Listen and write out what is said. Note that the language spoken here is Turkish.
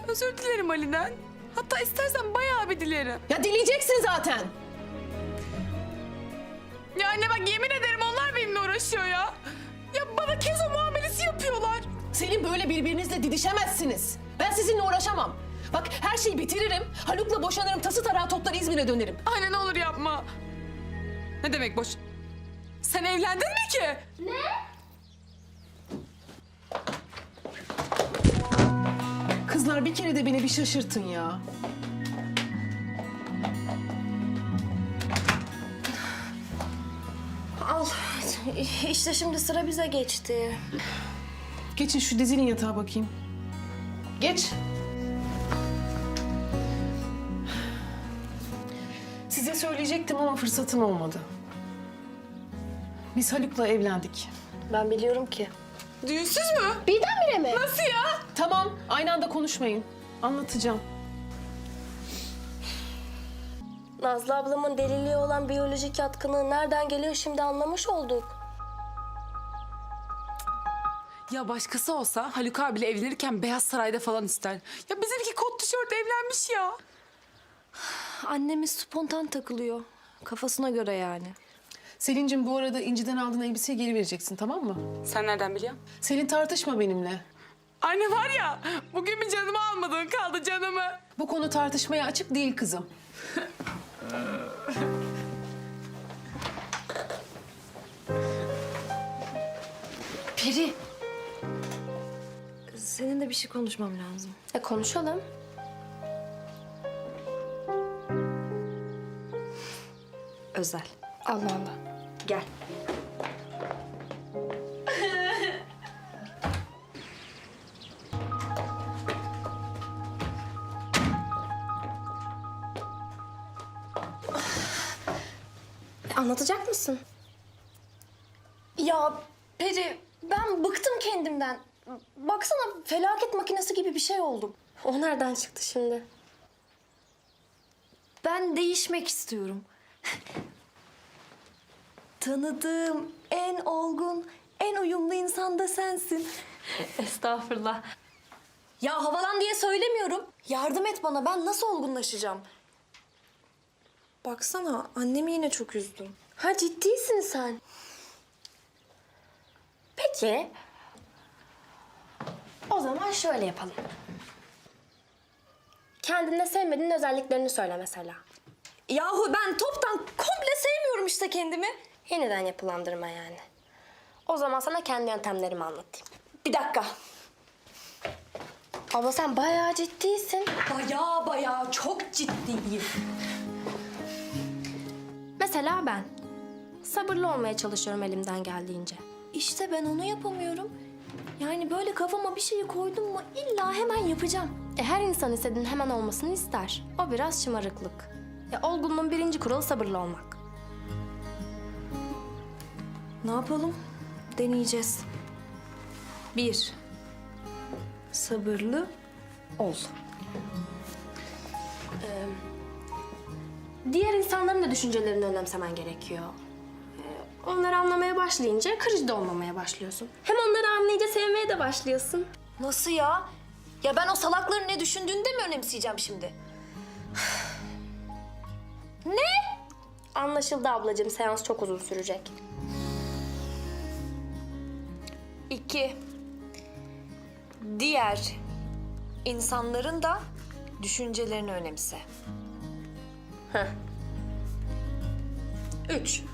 Özür dilerim Ali'den. Hatta istersen bayağı bir dilerim. Ya dileyeceksin zaten. Ya anne bak yemin ederim onlar benimle uğraşıyor ya. Ya bana Kezo muamelesi yapıyorlar. Selin böyle birbirinizle didişemezsiniz. Ben sizinle uğraşamam. Bak her şeyi bitiririm. Haluk'la boşanırım. Tası tarağı toplar İzmir'e dönerim. Anne ne olur yapma. Ne demek boş? Sen evlendin mi ki? Kızlar bir kere de beni bir şaşırtın ya. Al. İşte şimdi sıra bize geçti. Geçin şu dizinin yatağa bakayım. Geç. Size söyleyecektim ama fırsatım olmadı. Biz Haluk'la evlendik. Ben biliyorum ki. Düğünsüz mü? Birdenbire mi? Nasıl ya? Tamam, aynı anda konuşmayın. Anlatacağım. Nazlı ablamın deliliği olan biyolojik yatkınlığı nereden geliyor şimdi anlamış olduk. Ya başkası olsa Haluk abiyle evlenirken Beyaz Saray'da falan ister. Ya bizimki kot tişört evlenmiş ya. Annemiz spontan takılıyor. Kafasına göre yani. Selin'cim bu arada İnci'den aldığın elbiseyi geri vereceksin, tamam mı? Sen nereden biliyorsun? Selin tartışma benimle. Anne var ya bugün bir canımı almadın kaldı canımı. Bu konu tartışmaya açık değil kızım. Peri. Seninle bir şey konuşmam lazım. Konuşalım. Özel. Allah Allah. Gel. Anlatacak mısın? Ya Peri, ben bıktım kendimden. Baksana felaket makinesi gibi bir şey oldum. O nereden çıktı şimdi? Ben değişmek istiyorum. Tanıdığım en olgun, en uyumlu insan da sensin. Estağfurullah. Ya havalan diye söylemiyorum. Yardım et bana, ben nasıl olgunlaşacağım? Baksana, annemi yine çok üzdüm. Ha ciddisin sen. Peki. O zaman şöyle yapalım. Kendinde sevmediğin özelliklerini söyle mesela. Yahu ben toptan komple sevmiyorum işte kendimi. Yeniden yapılandırma yani. O zaman sana kendi yöntemlerimi anlatayım. Bir dakika. Abla sen bayağı ciddisin. Bayağı çok ciddiyim. Mesela ben. Sabırlı olmaya çalışıyorum elimden geldiğince. İşte ben onu yapamıyorum. Yani böyle kafama bir şeyi koydum mu illa hemen yapacağım. Her insan istediğinin hemen olmasını ister. O biraz şımarıklık. Olgunluğun birinci kuralı sabırlı olmak. Ne yapalım? Deneyeceğiz. 1. Sabırlı ol. Diğer insanların da düşüncelerini önemsemen gerekiyor. Onları anlamaya başlayınca kırıcı da olmamaya başlıyorsun. Hem onları anlayınca sevmeye de başlıyorsun. Nasıl ya? Ya ben o salakların ne düşündüğünü de mi önemseyeceğim şimdi? Ne? Anlaşıldı ablacığım. Seans çok uzun sürecek. 2. Diğer insanların da düşüncelerini önemse. 3.